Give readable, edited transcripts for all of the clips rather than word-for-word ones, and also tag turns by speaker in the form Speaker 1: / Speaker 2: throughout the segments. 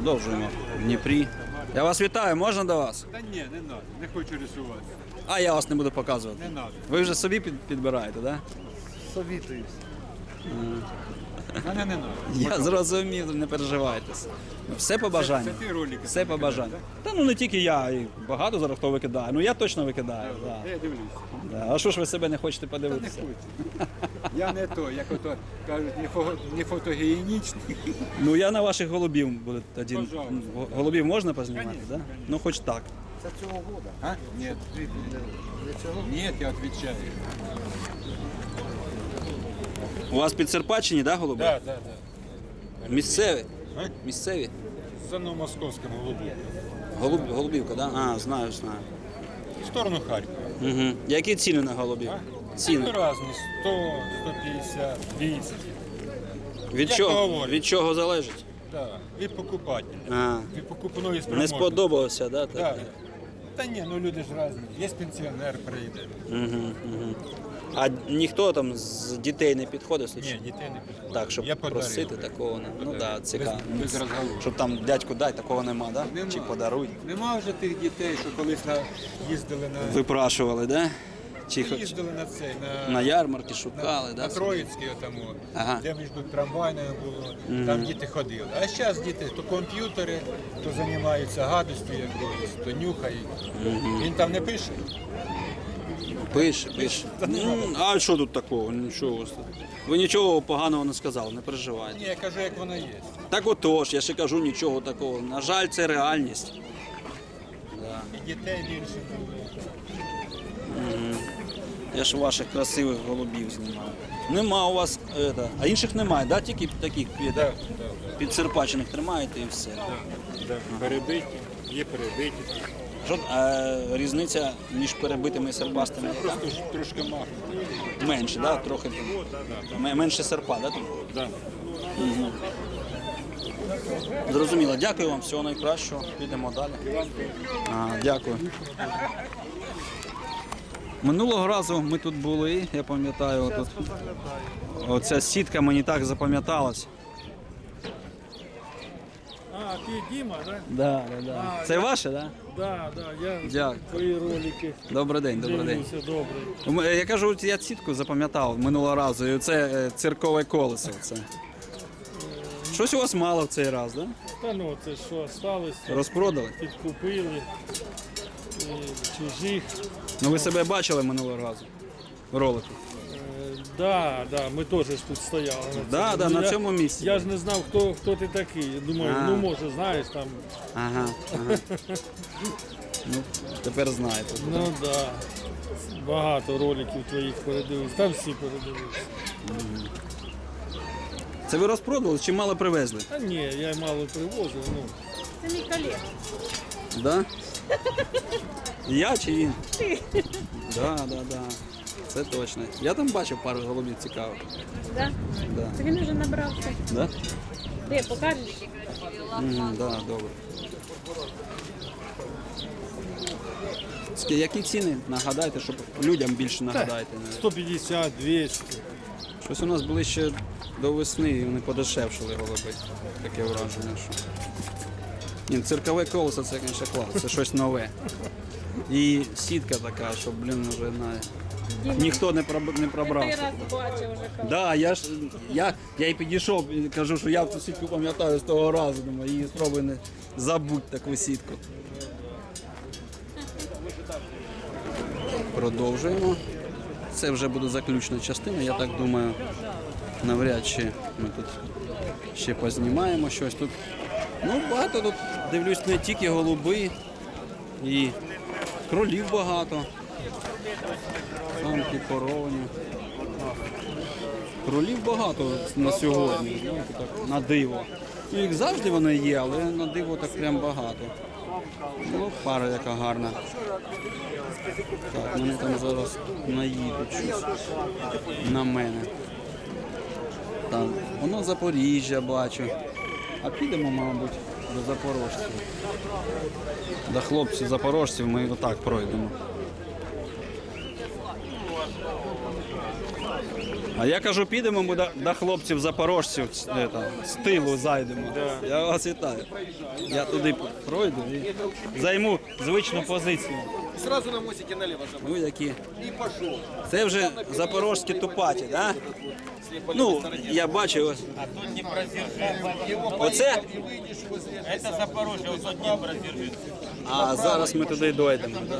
Speaker 1: Продовжуємо в Дніпрі. Я вас вітаю, можна до вас?
Speaker 2: Та ні, не треба, не хочу рисувати.
Speaker 1: А я вас не буду показувати.
Speaker 2: Не треба.
Speaker 1: Ви вже собі підбираєте, так? Да?
Speaker 2: Совітуюсь. Мене не треба.
Speaker 1: Я зрозумів, не переживайте. Все по бажанню.
Speaker 2: Це ти ролики
Speaker 1: Все по бажанню. Та ну не тільки я, і багато зараз хто викидає. Ну я точно викидаю. Да.
Speaker 2: Я дивлюсь.
Speaker 1: Да. А що ж ви себе не хочете
Speaker 2: Та не
Speaker 1: подивитися?
Speaker 2: хочу. Я не то, як ото кажуть, не фотогенічний.
Speaker 1: Ну я на ваших голубів буду тоді.
Speaker 2: Пожалуйста.
Speaker 1: Голубів можна познімати,
Speaker 2: Конечно,
Speaker 1: так? Да?
Speaker 2: конечно.
Speaker 1: Ну хоч так.
Speaker 2: Це цього года. А? Ні. Ні, я відповідаю.
Speaker 1: У вас під Серпаччині, да, голуби?
Speaker 2: Так, так, так.
Speaker 1: Місцеві?
Speaker 2: А?
Speaker 1: Місцеві?
Speaker 2: За Новомосковським голубом.
Speaker 1: Голубівка, так? Да? А, знаю.
Speaker 2: В сторону Харкова.
Speaker 1: Угу. Які ціни на голубів? Ціни.
Speaker 2: Ну, різні. 100, 150, 200.
Speaker 1: Від
Speaker 2: Як
Speaker 1: чого?
Speaker 2: говорять.
Speaker 1: Від чого залежить?
Speaker 2: Так, від покупателя.
Speaker 1: А,
Speaker 2: Від покупної
Speaker 1: не
Speaker 2: спроможності.
Speaker 1: сподобалося, да? Так?
Speaker 2: Так. Та ні, ну люди ж різні. Є пенсіонер прийде.
Speaker 1: А ніхто там з дітей не підходить?
Speaker 2: Ні, дітей не підходить.
Speaker 1: Так, щоб
Speaker 2: Я подарив.
Speaker 1: просити такого не. Ну так, да, цікаво.
Speaker 2: Без розговору.
Speaker 1: Щоб там дядьку дай, такого нема, да?
Speaker 2: Нема.
Speaker 1: Чи подаруй.
Speaker 2: Нема вже тих дітей, що колись їздили на
Speaker 1: Випрашували, да? Чи
Speaker 2: їздили на цей,
Speaker 1: на ярмарки шукали,
Speaker 2: на
Speaker 1: да?
Speaker 2: Троїцький отому,
Speaker 1: Ага.
Speaker 2: де між трамвайною було, там діти ходили. А зараз діти то комп'ютери, то займаються гадостю якоюсь, то нюхають. Він там не пише.
Speaker 1: Пише. Ну, а що тут такого? Нічого. у вас тут. Ви нічого поганого не сказали, не переживайте.
Speaker 2: Ні, я кажу, як воно є.
Speaker 1: Так отож, я ще кажу нічого такого. На жаль, це реальність. Да.
Speaker 2: І дітей більше було.
Speaker 1: Я ж ваших красивих голубів знімаю. Нема у вас, а інших немає, да? Тільки таких підсерпачених тримаєте і все.
Speaker 2: Перебиті, є перебиті.
Speaker 1: Що, різниця між перебитими і серпастими яка?
Speaker 2: Просто ж трошки махнути.
Speaker 1: Менше, да? Трохи менше серпа, да?
Speaker 2: Да.
Speaker 1: Зрозуміло. Дякую вам, всього найкращого. Підемо далі. Дякую. Минулого разу ми тут були, я пам'ятаю, тут оця сітка мені так запам'яталась.
Speaker 3: А, ти Діма, так?
Speaker 1: Да. Це ваше, так?
Speaker 3: Да, я
Speaker 1: Дякую.
Speaker 3: твої ролики
Speaker 1: Добрий день.
Speaker 3: дивлюся, добре.
Speaker 1: Я кажу, я сітку запам'ятав минулого разу, і це циркове колесо. Це. Щось у вас мало в цей раз, так? Да?
Speaker 3: Та ну, це що осталось,
Speaker 1: Розпродали?
Speaker 3: підкупили чужих.
Speaker 1: Ну ви себе бачили минулого разу в ролику?
Speaker 3: Да, ми теж ж тут стояли.
Speaker 1: Да,
Speaker 3: Ну,
Speaker 1: на цьому місці.
Speaker 3: Я ж не знав, хто ти такий. Я думаю, ну може, знаєш там.
Speaker 1: Ага. Ну, тепер знаєте.
Speaker 3: Ну да. Багато роликів твоїх передивився. Там всі передивилися.
Speaker 1: Це ви розпродали чи мало привезли?
Speaker 3: Та ні, я мало привозив, ну.
Speaker 4: Це мій колега.
Speaker 1: Да? Я чи він? Ти. Да. Це точно. Я там бачив пару голубів цікавих.
Speaker 4: Да?
Speaker 1: Да.
Speaker 4: Це він вже набрався.
Speaker 1: Да?
Speaker 4: Де, покажеш?
Speaker 1: Да, добре. Які ціни? Нагадайте, щоб людям більше нагадайте.
Speaker 3: 150, 200.
Speaker 1: Щось у нас ближче до весни і вони подешевшили голуби. Таке враження, що. Ні, циркове колесо це, звісно, клас, це щось нове. І сітка така, що, вже ніхто не пробрав.
Speaker 4: Ти раз бачив вже коли.
Speaker 1: Да, я і підійшов і кажу, що я цю сітку пам'ятаю з того разу, думаю, її спробуй не забудь таку сітку. Продовжуємо. Це вже буде заключна частина, я так думаю, навряд чи ми тут ще познімаємо щось тут. Ну, багато тут, дивлюсь, не тільки голуби, і кролів багато. Самки, коровні. Кролів багато на сьогодні, знаєте, так, на диво. Ну, їх завжди вони є, але на диво так прям багато. Ну, пара яка гарна. Так, мене там зараз наїдуть щось на мене. Так, воно Запоріжжя бачу. А підемо, мабуть, до запорожців. До хлопців запорожців ми отак пройдемо. А я кажу, підемо ми до хлопців запорожців з тилу зайдемо. Я вас вітаю. Я туди пройду і займу звичну позицію.
Speaker 5: Сразу на мостике налево забрал.
Speaker 1: Ну які.
Speaker 5: И пошел.
Speaker 1: Це вже запорожські тупаті, так? Да? Ну, я бачу ось.
Speaker 6: А тут не продержи.
Speaker 1: Оце?
Speaker 6: Это Запорожье, вот тут не продержи.
Speaker 1: А зараз ми туди дійдемо. Да.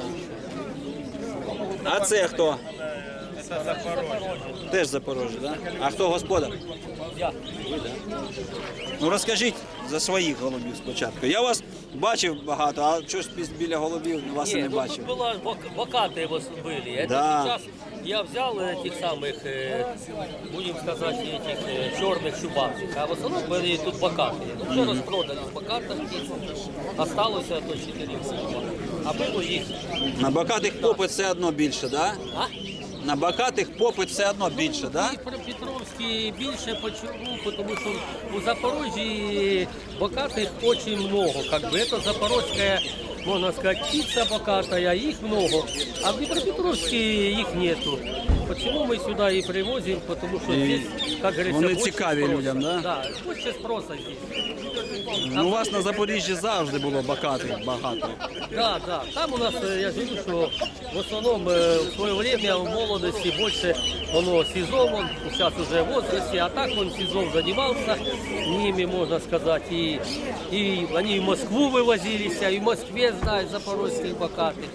Speaker 1: А це хто?
Speaker 6: Это Запорожье.
Speaker 1: Теж Запорожжя, так? Да? А хто господар?
Speaker 6: Я.
Speaker 1: Ви, да? Ну розкажіть за своїх голубів спочатку. Я вас бачив багато, а щось біля голубів вас і не
Speaker 7: Нет, ну
Speaker 1: бачив.
Speaker 7: тут было вакаты его были. Это
Speaker 1: Да.
Speaker 7: сейчас я взял этих самых, будем сказать, этих черных чубатых. А в основном были тут вакаты. Ну, уже распродали вакатов птиц. Осталось то 4 голуба. А было их.
Speaker 1: На бакатих попит все одно більше, так? Да?
Speaker 7: А?
Speaker 1: На бакатих попит все одно більше, так? Да?
Speaker 7: І про Петровський більше почему? Потому что у Запорожья бокатых очень много. Как бы это запорожская, можно сказать, птица бокатая, их много. А в Днепропетровске их нету. Почему мы сюда и привозим? Потому что
Speaker 1: И
Speaker 7: здесь, как говорится,
Speaker 1: вони
Speaker 7: больше
Speaker 1: цікаві
Speaker 7: спроса.
Speaker 1: людям, да?
Speaker 7: Да, больше спроса здесь.
Speaker 1: Ну, у вас на Запоріжжі завжди було бакатих багато.
Speaker 7: Да, да. Там у нас, я же говорю, что в основном в свое время в молодости больше оно СИЗО, он сейчас уже в возрасте, а так он СИЗО занимался ними, можно сказать, и они в Москву вывозились, и в Москве знают запорожских бокатых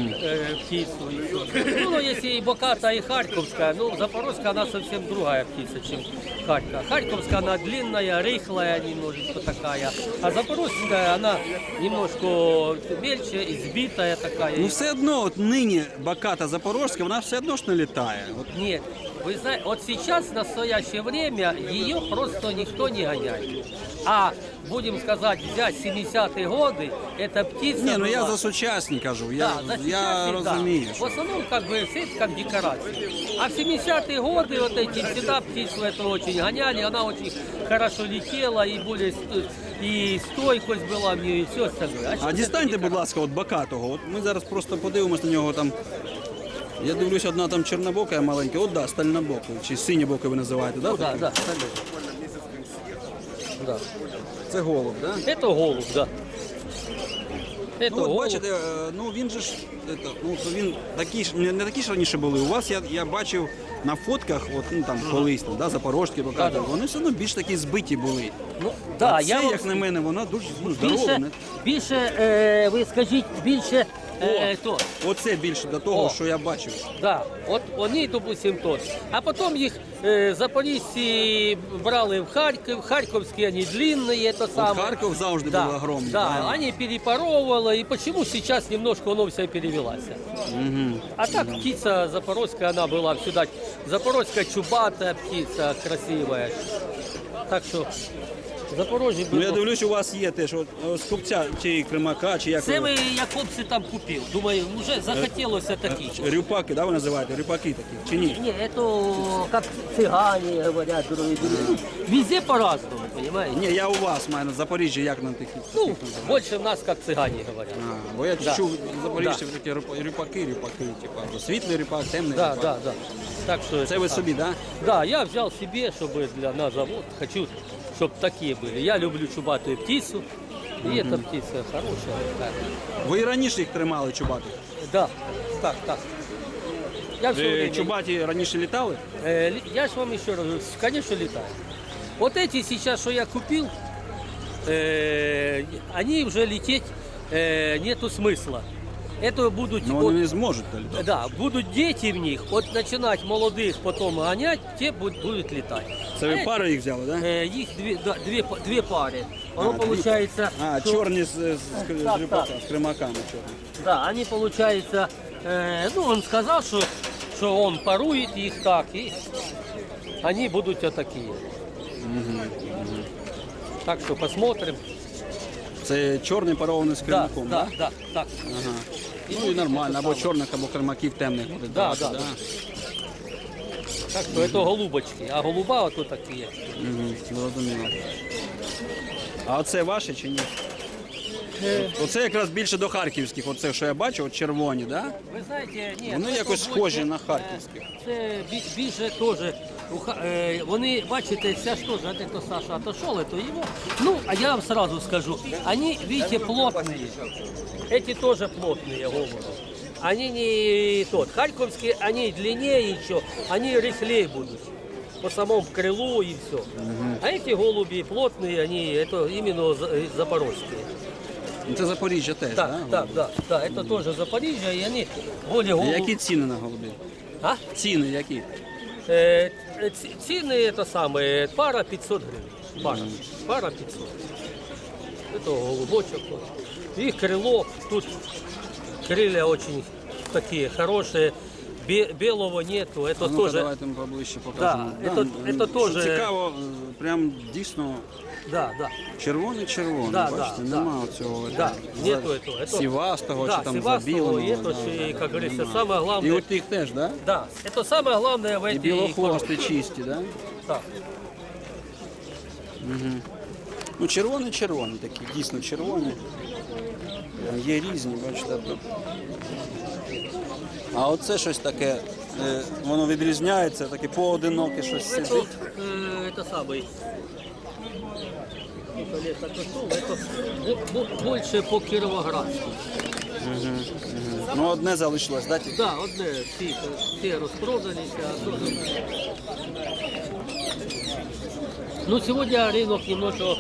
Speaker 7: птицу. И всё. Ну, но если и боката, и харьковская, ну, запорожская, она совсем другая птица, чем Харьков. Харьковская, она длинная, рыхлая немножечко такая, а запорожская, она немножко мельче, избитая такая.
Speaker 1: Ну все одно, от нині баката запорожська, вона все одно ж не літає. От,
Speaker 7: Нет, вы знаете, вот сейчас, в настоящее время, ее просто никто не гоняет. А, будем сказать, взять 70-е годы, эта птица...
Speaker 1: ні, ну я
Speaker 7: была-
Speaker 1: за сучасні кажу,
Speaker 7: Да,
Speaker 1: я
Speaker 7: за
Speaker 1: я
Speaker 7: сейчас, да.
Speaker 1: розумію.
Speaker 7: В
Speaker 1: Що...
Speaker 7: основном, как бы, все это как декорация. А в 70-е годы вот эти всегда птицу это очень гоняли, она очень хорошо летела, и более и стойкость была в нее, и все остальное.
Speaker 1: А
Speaker 7: сейчас
Speaker 1: дістаньте,
Speaker 7: это
Speaker 1: будь ласка, от бакатого. От ми зараз просто подивимось на нього там. Я дивлюсь, одна там чорнобока маленька, от да, стальнобока, чи синьобока ви називаєте, да?
Speaker 7: Ну, да, да, остальное. Да.
Speaker 1: Це голуб, да?
Speaker 7: Это голубь, да. Это
Speaker 1: Ну, от
Speaker 7: голубь.
Speaker 1: бачите, ну він же ж, ну, то він такі ж, не такі ж раніше були. У вас я бачив на фотках, от, ну там колись, там, да, запорожські бакати, вони все одно більш такі збиті були.
Speaker 7: Ну, да,
Speaker 1: А це,
Speaker 7: я вам
Speaker 1: як на мене, вона дуже здорова.
Speaker 7: більше,
Speaker 1: не?
Speaker 7: більше ви скажіть, більше то.
Speaker 1: Оце більше до того,
Speaker 7: О.
Speaker 1: що я бачив.
Speaker 7: Да, от вони, допустим, тот. А потім їх запорожці брали в Харків, харківські вони длинні, це саме.
Speaker 1: Харків завжди
Speaker 7: да,
Speaker 1: був огромний.
Speaker 7: Да,
Speaker 1: правильно?
Speaker 7: они перепоровывали, и почему сейчас немножко оно все перевелось. А так птица запорожская, она была всегда, запорожская чубатая птица, красивая. Так що Запорожжя
Speaker 1: Ну
Speaker 7: було.
Speaker 1: я дивлюсь, у вас є теж от, з купця чи кримака, чи як
Speaker 7: Це
Speaker 1: ви-
Speaker 7: ви Якобси там купив. Думаю, вже захотілося такі.
Speaker 1: рюпаки, да, ви називаєте? Рюпаки такі, чи ні?
Speaker 7: Не, это как цыгане говорят, другие. Везде по-разному, понимаете?
Speaker 1: Ні, я у вас маю на Запоріжжі, як на таких.
Speaker 7: Ну,
Speaker 1: таких називають?
Speaker 7: больше в нас как цыгане говорят.
Speaker 1: А, бо я
Speaker 7: Да.
Speaker 1: чув запоріжців такі рюпаки, типу, світлий рюпак, темний
Speaker 7: Да,
Speaker 1: рюпак.
Speaker 7: да, да. Так что
Speaker 1: Це ви собі, так? Да?
Speaker 7: Да, я взял себе, чтобы на завод, хочу, чтобы такие были. Я люблю чубатую птицу, и эта птица хорошая. такая.
Speaker 1: Ви і раніше їх тримали чубатих?
Speaker 7: Да, так, так. Я все
Speaker 1: Ви
Speaker 7: время...
Speaker 1: чубаті раніше літали?
Speaker 7: Я же вам еще раз говорю, конечно, летаю. Вот эти сейчас, что я купил, они уже лететь нету смысла. Это будут...
Speaker 1: Ну
Speaker 7: от-
Speaker 1: вони не зможуть літати.
Speaker 7: Да, будут дети в них, вот начинать молодых, потом гонять, те будут летать.
Speaker 1: Це ви пари їх взяли, так? Да?
Speaker 7: Их две пары. Оно получается...
Speaker 1: А,
Speaker 7: что-
Speaker 1: чорні
Speaker 7: Так,
Speaker 1: рюпака,
Speaker 7: так.
Speaker 1: з кримаками чорні.
Speaker 7: Да, они получается... ну, он сказал, что он парует их так, и они будут вот такие. Так что посмотрим.
Speaker 1: Це чорний парований з
Speaker 7: Да,
Speaker 1: кримаком,
Speaker 7: да,
Speaker 1: так?
Speaker 7: да, так.
Speaker 1: Ага. Ну і нормально, або чорних, або кримаків темних буде.
Speaker 7: Да,
Speaker 1: давати,
Speaker 7: да. Так что это голубочки, а голуба вот тут такие.
Speaker 1: Угу, зрозуміло. А оце ваше чи ні? Оце якраз більше до харківських, оце, що я бачу, от червоні, да?
Speaker 7: Ви знаєте, ні,
Speaker 1: Вони
Speaker 7: це
Speaker 1: якось
Speaker 7: більше,
Speaker 1: схожі на харківських.
Speaker 7: Це більше теж. Вони, бачите, це ж теж, а хто Саша отошел, то його. Ну, а я вам сразу скажу, они, видите, плотные. Эти тоже плотные голуби. Они не тот. Харьковские, они длиннее еще, они рыхлее будут. По самому крылу и все. А эти голуби плотные, они это именно запорожские.
Speaker 1: Ну, це Запоріжжя теж,
Speaker 7: Так,
Speaker 1: да?
Speaker 7: да, это тоже Запорожье, и они более голуби.
Speaker 1: Які ціни на голубів?
Speaker 7: А?
Speaker 1: Ціни які?
Speaker 7: Цены это самое, пара 500 гривен. Пара 500. Это голубочек. Их крыло, тут крылья очень такие хорошие. Белого нету, это
Speaker 1: Ну-ка,
Speaker 7: тоже.
Speaker 1: давайте ми поближче покажемо.
Speaker 7: Да, это
Speaker 1: що
Speaker 7: тоже-
Speaker 1: цікаво, прям дійсно
Speaker 7: Да.
Speaker 1: червоний,
Speaker 7: Да,
Speaker 1: бачите,
Speaker 7: да,
Speaker 1: нема цього
Speaker 7: Да, нету этого. Это-
Speaker 1: сівастого
Speaker 7: Да,
Speaker 1: чи там
Speaker 7: сивастого,
Speaker 1: забіленого.
Speaker 7: это ж, и, как говорится, самое
Speaker 1: І
Speaker 7: главное.
Speaker 1: у тих теж, да?
Speaker 7: Да, это самое главное в
Speaker 1: І
Speaker 7: этой
Speaker 1: білохвости
Speaker 7: коробке.
Speaker 1: чисті, да?
Speaker 7: Так.
Speaker 1: Ну, червоні такі, дійсно червоні. Є різні, бачите, тут. А оце щось таке, воно відрізняється, таке поодиноке щось
Speaker 7: Это,
Speaker 1: сидить.
Speaker 7: это самый. Олег отошел, это больше по Кировоградску.
Speaker 1: Ну, одне залишилось, да? тільки?
Speaker 7: Да, одне, всі розпродалися. А то... Ну, сегодня рынок немножко,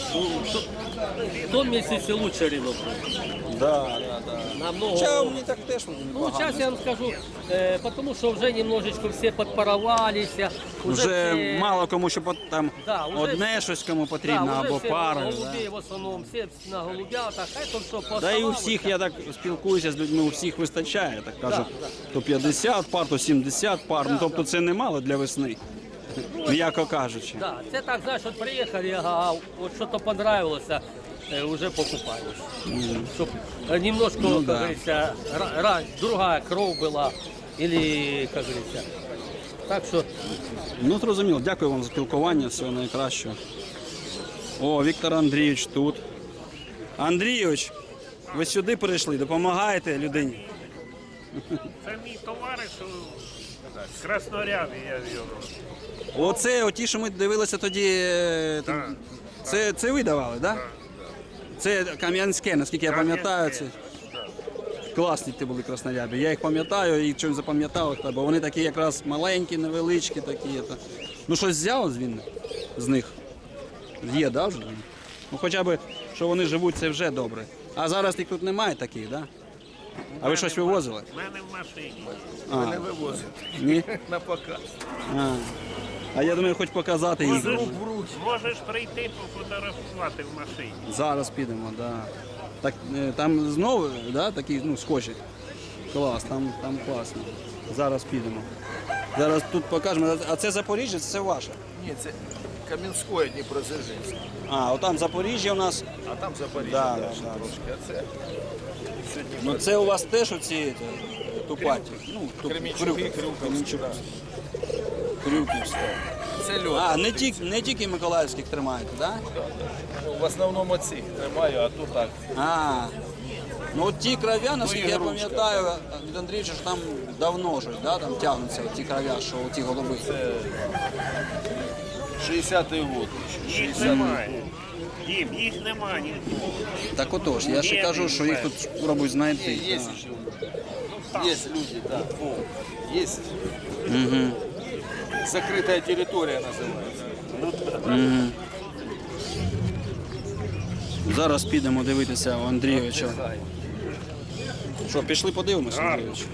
Speaker 7: в том месяце лучше рынок.
Speaker 1: Да.
Speaker 7: Намного.
Speaker 1: Хоча мені так теж
Speaker 7: Ну,
Speaker 1: непогано.
Speaker 7: сейчас я вам скажу, потому что уже немножечко все подпаровались.
Speaker 1: Вже
Speaker 7: все...
Speaker 1: мало кому, що там
Speaker 7: Да, уже
Speaker 1: одне щось кому потрібно,
Speaker 7: да, уже
Speaker 1: або
Speaker 7: все
Speaker 1: пара.
Speaker 7: голубей в основном, все на голубятах, а это все
Speaker 1: Да і у всіх, я так спілкуюся з людьми, у всіх вистачає, так кажуть, то 50 пар, то 70 пар, ну тобто це немало для весни, м'яко кажучи.
Speaker 7: Да, це так, знаєш, от приїхали, ага, от що-то понравилося, уже покупаешь. Чтоб немножко,
Speaker 1: Ну
Speaker 7: как
Speaker 1: да.
Speaker 7: говорится, другая кровь была, или, как говорится. Так що,
Speaker 1: Ну, зрозуміло, дякую вам за спілкування, всього найкращого. О, Віктор Андрійович тут. Андрійович, ви сюди прийшли, допомагаєте людині?
Speaker 8: Це мій товариш з Красноряди, я його.
Speaker 1: Оце, оті, що ми дивилися тоді, це ви давали, так? Да? Це Кам'янське, наскільки я пам'ятаю. Це... Класні ті були краснорябі. Я їх пам'ятаю і чим запам'ятав, бо вони такі якраз маленькі, невеличкі такі. Ну щось взяв з них? Є, да, вже? Ну хоча б, що вони живуть, це вже добре. А зараз їх тут немає таких, так? Да? А ви щось вивозили?
Speaker 8: У мене в машині.
Speaker 1: А,
Speaker 5: Не вивозить.
Speaker 1: ні?
Speaker 5: На показ.
Speaker 1: А я думаю, хоч показати їх.
Speaker 8: Можеш прийти пофотографувати в машині.
Speaker 1: Зараз підемо, так. Да. Так, там знову, да, такі, ну, схожі. Клас, там класно. Зараз підемо. Зараз тут покажемо. А це Запоріжжя, це ваше?
Speaker 5: Ні, це Кам'янське, Дніпродзержинське.
Speaker 1: А, отам Запоріжжя у нас.
Speaker 5: А там Запоріжжя
Speaker 1: Да,
Speaker 5: далі
Speaker 1: да, да.
Speaker 5: трошки. А це сьогодні
Speaker 1: Ну це у вас теж оці тупаті. Ну,
Speaker 5: Кремінчуки, Крюковські. Да.
Speaker 1: Крюківська.
Speaker 5: Це льот.
Speaker 1: А, не тільки Миколаївських тримаєте, так? Да?
Speaker 5: Ну, в основному цих тримаю, а тут так.
Speaker 1: А, ну от ті кров'я, наскільки я
Speaker 5: ігрушка.
Speaker 1: пам'ятаю, від Андрійовича ж там давно щось, да, там тягнуться ті кров'я, що ті голуби.
Speaker 5: Це 60-й год.
Speaker 8: Їх немає. Дім, їх немає нікого.
Speaker 1: Так отож, я ще кажу, що їх тут спробують знайти.
Speaker 5: Є
Speaker 1: да.
Speaker 5: ще люди. Є люди, так. Є. Закрита територія називається.
Speaker 1: Зараз підемо дивитися у Андрійовича. Що, пішли подивимося, Андрійович?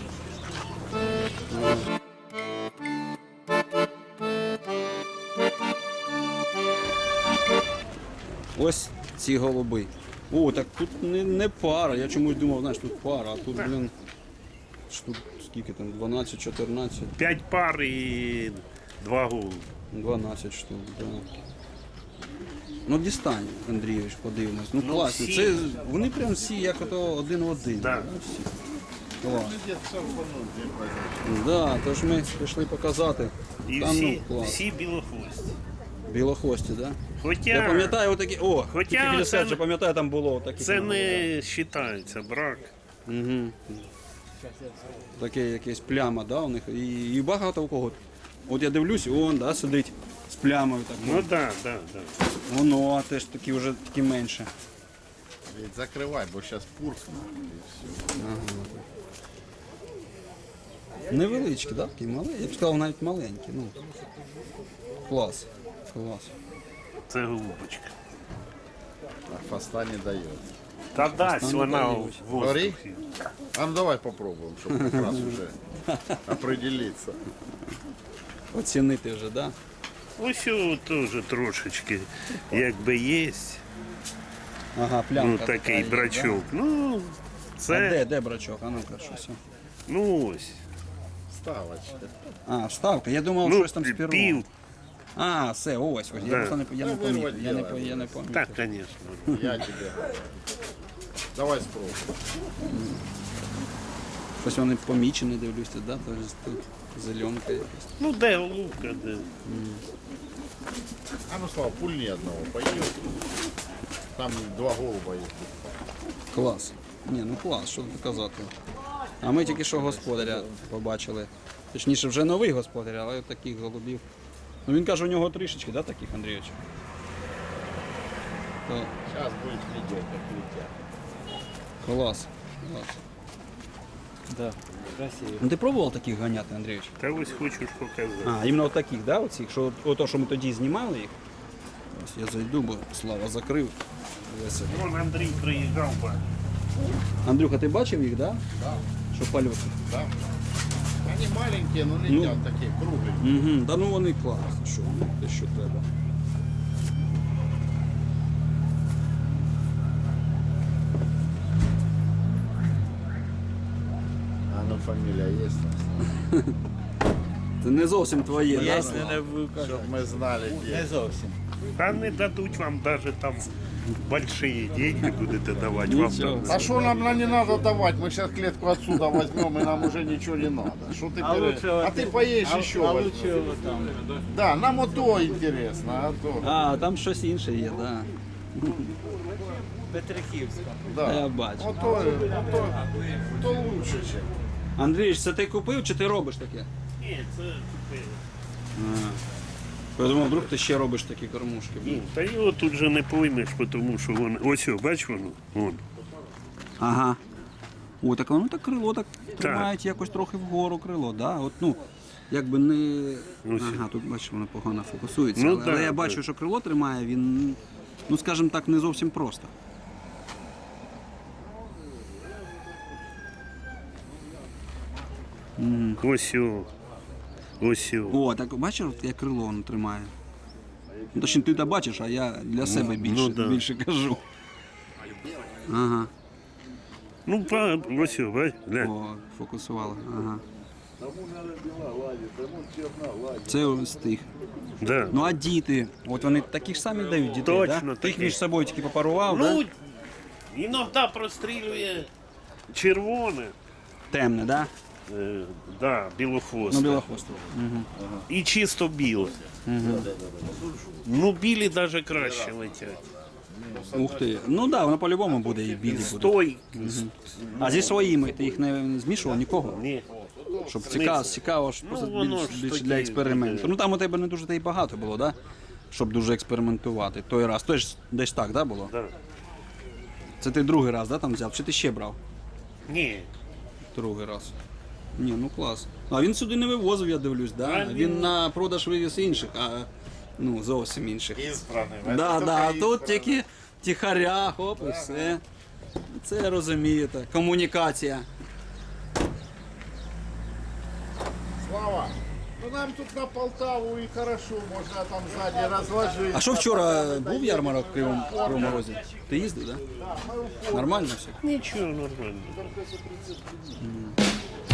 Speaker 1: Ось ці голуби. О, так тут не пара. Я чомусь думав, знаєш, тут пара, а тут, блін, штук скільки там, 12-14,
Speaker 8: 5 пар і 2 голуби.
Speaker 1: 12 штук, так. Да. Ну дістань, Андрійович, подивимось. Ну,
Speaker 8: Ну,
Speaker 1: класно.
Speaker 8: всі.
Speaker 1: Це, вони прям всі як ото один в один.
Speaker 8: Да.
Speaker 1: Всі. Клас. Да, тож ми пішли показати.
Speaker 8: І
Speaker 1: Там,
Speaker 8: всі,
Speaker 1: ну, клас.
Speaker 8: всі білохвості.
Speaker 1: Білохвості, так? Да? Я
Speaker 8: Хоча
Speaker 1: пам'ятаю отакі. О,
Speaker 8: Хоча
Speaker 1: тільки біля
Speaker 8: це
Speaker 1: серця,
Speaker 8: не-
Speaker 1: пам'ятаю, там було отакі.
Speaker 8: це не вважається брак.
Speaker 1: Угу. Таке якесь пляма, да, у них. І багато у кого. От я дивлюсь, он, да, сидить з плямою такою.
Speaker 8: Ну так, так, так.
Speaker 1: Воно, а теж такі вже такі менше.
Speaker 9: Ведь закрывай, бо сейчас пуркну.
Speaker 1: Невеличкі, да? Такі маленькі. Я б сказав, навіть маленькі. Ну. Клас. Клас.
Speaker 8: Це голубочка.
Speaker 9: А хвоста не дает.
Speaker 8: Та дасть вона в
Speaker 1: дають.
Speaker 8: воздухі.
Speaker 9: А ну давай попробуем, чтобы как раз уже определиться.
Speaker 1: Оцінити вже, да?
Speaker 8: Ось о, теж трошечки, якби є,
Speaker 1: Ага, плямка.
Speaker 8: ну
Speaker 1: така
Speaker 8: такий
Speaker 1: є,
Speaker 8: брачок. Ну,
Speaker 1: Да? А
Speaker 8: це,
Speaker 1: де брачок? А ну-ка, щось.
Speaker 8: ну ось.
Speaker 9: Ставочка.
Speaker 1: А, вставка. Я думав,
Speaker 8: Ну,
Speaker 1: щось там з пером.
Speaker 8: пів,
Speaker 1: А, все, ось. Я
Speaker 8: Да.
Speaker 1: просто не, я не
Speaker 9: Та
Speaker 1: помітив.
Speaker 9: вирвать
Speaker 1: Я не,
Speaker 9: діло.
Speaker 1: я не помітив.
Speaker 8: так, звісно.
Speaker 9: Я тебе. Давай спробуем.
Speaker 1: Щось вони помічені, дивлюся, да? Тож тут зеленка якась.
Speaker 8: Ну де голубка, де.
Speaker 9: А ну Слава, пульни одного поедет. Там 2 голуба есть.
Speaker 1: Клас. Ні, ну клас, що тут казати. А ми тільки що господаря побачили. Точніше, вже новий господар, але от таких голубів. Ну він каже, у нього трішечки, да, таких, Андрійович? То
Speaker 9: Сейчас будет видео, как летят.
Speaker 1: клас. Клас.
Speaker 3: Да, красиво.
Speaker 1: Ну ти пробував таких ганяти, Андрійович?
Speaker 8: Та ось хочу ж показати.
Speaker 1: А, іменно от таких, да, оцих, що ото, що ми тоді знімали їх. Ось я зайду, бо Слава закрив. Весело.
Speaker 8: Вон Андрій приїжджав, бачив.
Speaker 1: Андрюха, ти бачив їх, да?
Speaker 9: Да.
Speaker 1: Що польоти?
Speaker 9: Да. Они маленькие, но летят такие, кругленькие.
Speaker 1: Угу, да ну вони класні, що те, що треба.
Speaker 9: А ну фамилия есть?
Speaker 1: Це не зовсім твоє, да?
Speaker 9: Чтоб мы знали, где.
Speaker 8: Та не дадуть вам навіть там большие деньги будете давати вам.
Speaker 1: Нічого.
Speaker 8: там.
Speaker 9: А что нам не надо давать? Мы сейчас клетку отсюда возьмем, и нам уже ничего не надо. Что ты ты поедешь еще возьмешь. Да, нам вот то интересно, а то.
Speaker 1: А, там щось інше є, да.
Speaker 9: Да.
Speaker 1: Я бачу.
Speaker 9: Вот то лучше, чем.
Speaker 1: Андрій, це ти купив чи ти робиш таке?
Speaker 8: Ні, це
Speaker 1: Я думав, вдруг ти ще робиш такі кормушки.
Speaker 8: ні, та його тут же не поймеш, тому що воно. Ось, о, бач воно. Вон.
Speaker 1: Ага. О, так воно так крило так тримають якось трохи вгору крило, да? От, ну, якби не.
Speaker 8: Ось.
Speaker 1: Ага, тут бачиш, воно погано фокусується.
Speaker 8: Ну,
Speaker 1: але
Speaker 8: так,
Speaker 1: я бачу,
Speaker 8: так.
Speaker 1: що крило тримає, він, ну скажімо так, не зовсім просто.
Speaker 8: Ось о. Ось о.
Speaker 1: О, так бачиш, от як крило воно тримає. Ну, точніше, ти то бачиш, а я для себе більше,
Speaker 8: да.
Speaker 1: більше кажу. Ага.
Speaker 8: Ну, ось о, бач, глянь.
Speaker 1: О, фокусувала. Ага. Це ось тих.
Speaker 8: Да.
Speaker 1: Ну а діти, от вони такі ж самі дають дітей,
Speaker 8: Точно,
Speaker 1: да? Ти їх
Speaker 8: такі.
Speaker 1: між собою тільки попарував,
Speaker 8: Ну,
Speaker 1: да?
Speaker 8: іноді прострілює червоне,
Speaker 1: Темне, да?
Speaker 8: да, білохвосте.
Speaker 1: Ну, білохвостий.
Speaker 8: І чисто біле. Ну, білі навіть краще летять.
Speaker 1: Ух ти. Ну да, воно по-любому буде і білі буде.
Speaker 8: Той.
Speaker 1: А зі своїми ти їх не змішував нікого?
Speaker 8: Ні.
Speaker 1: Щоб цікаво, ж просто
Speaker 8: воно
Speaker 1: більш,
Speaker 8: ж
Speaker 1: більше
Speaker 8: тоді
Speaker 1: для експерименту.
Speaker 8: буде.
Speaker 1: Ну там у тебе не дуже та й багато було, да? Щоб дуже експериментувати. Той раз. Той ж десь так, да, було?
Speaker 8: Да.
Speaker 1: Це ти другий раз, да, там взяв? Чи ти ще брав?
Speaker 8: Ні.
Speaker 1: Другий раз. Ні, ну клас. А він сюди не вивозив, я дивлюсь, да?
Speaker 8: А,
Speaker 1: Він на продаж вивіз інших, а ну зовсім інших.
Speaker 9: Избранный.
Speaker 1: Да, да, а тут тільки тихаря, хоп, і все. Це розумієте. Комунікація.
Speaker 9: Слава, ну нам тут на Полтаву и хорошо, можно там сзади разложить.
Speaker 1: А що вчора був ярмарок в Кривому Розі? Ти їздив, так? Да? Нормально все?
Speaker 8: Нічого, нормально.